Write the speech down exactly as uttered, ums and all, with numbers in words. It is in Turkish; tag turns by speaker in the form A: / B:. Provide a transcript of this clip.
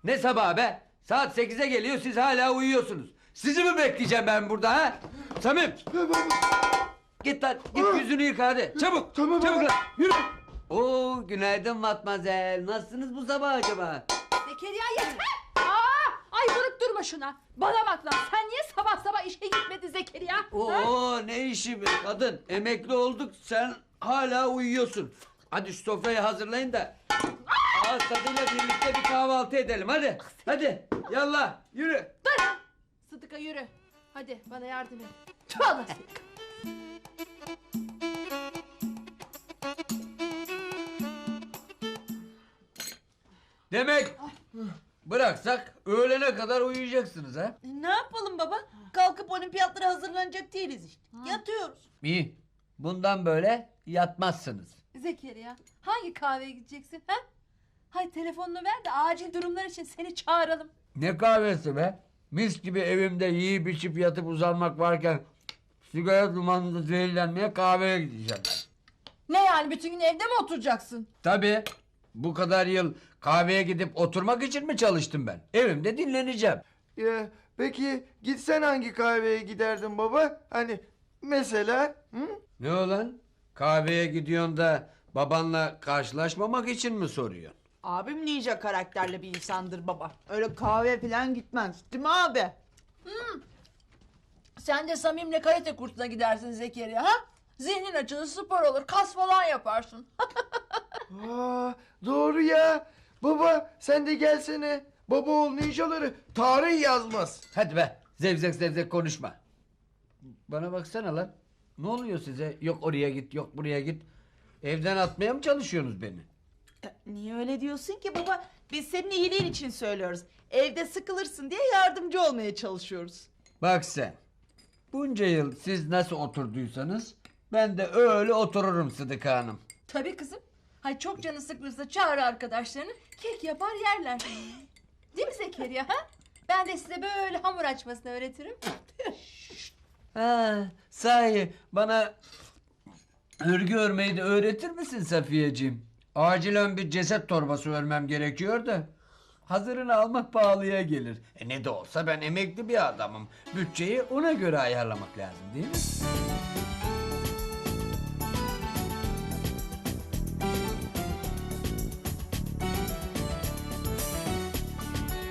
A: Ne sabah be? Saat sekize geliyor, siz hala uyuyorsunuz. Sizi mi bekleyeceğim ben burada ha? Samim! Git lan, git yüzünü yıka hadi. Çabuk,
B: Tamam
A: çabuk
B: baba.
A: lan, yürü. Oo, günaydın Matmazel. Nasılsınız bu sabah acaba?
C: Zekeriya yeter! Aa, ay vurup durma şuna. Bana bak lan, sen niye sabah sabah işe gitmedin Zekeriya? Ha?
A: Oo, ne işi be kadın? Emekli olduk, sen hala uyuyorsun. Hadi şu sofrayı hazırlayın da ağız tadıyla birlikte bir kahvaltı edelim hadi. Hadi, yallah, yürü.
C: Dur! Sıdıka yürü. Hadi bana yardım et. Tüh Allah seni.
A: Demek bıraksak öğlene kadar uyuyacaksınız ha?
D: Ne yapalım baba? Kalkıp olimpiyatlara hazırlanacak değiliz işte. Yatıyoruz.
A: İyi. Bundan böyle yatmazsınız.
C: Zekeriya, hangi kahveye gideceksin ha? Hay telefonunu ver de acil durumlar için seni çağıralım.
A: Ne kahvesi be? Mis gibi evimde yiyip içip yatıp uzanmak varken sigara dumanında zehirlenmeye kahveye gideceğim.
D: Ne yani bütün gün evde mi oturacaksın?
A: Tabii. Bu kadar yıl kahveye gidip oturmak için mi çalıştım ben? Evimde dinleneceğim.
B: Ya, peki gitsen hangi kahveye giderdin baba? Hani mesela? Hı?
A: Ne olan? Kahveye gidiyorsun da babanla karşılaşmamak için mi soruyorsun?
D: Abim ninja karakterli bir insandır baba. Öyle kahve falan gitmez. Değil mi abi? Sen de Samim'le karate kursuna gidersin Zekeriya ha? Zihnin açılır, spor olur, kas falan yaparsın.
B: Aa, doğru ya. Baba sen de gelsene. Baba oğul ninjaları tarih yazmaz.
A: Hadi be, zevzek zevzek konuşma. Bana baksana lan. Ne oluyor size? Yok oraya git, yok buraya git. Evden atmaya mı çalışıyorsunuz beni?
D: Niye öyle diyorsun ki baba? Biz senin iyiliğin için söylüyoruz. Evde sıkılırsın diye yardımcı olmaya çalışıyoruz.
A: Bak sen. Bunca yıl siz nasıl oturduysanız ben de öyle otururum Sıdıka Hanım.
C: Tabii kızım. Hay çok canı sıkılırsa çağır arkadaşlarını, kek yapar yerler. Değil mi Zekeriya ha? Ben de size böyle hamur açmasını öğretirim.
A: Ha, sahi bana örgü örmeyi de öğretir misin Safiyeciğim? Acilen bir ceset torbası örmem gerekiyor da. Hazırını almak pahalıya gelir. E ne de olsa ben emekli bir adamım. Bütçeyi ona göre ayarlamak lazım değil mi?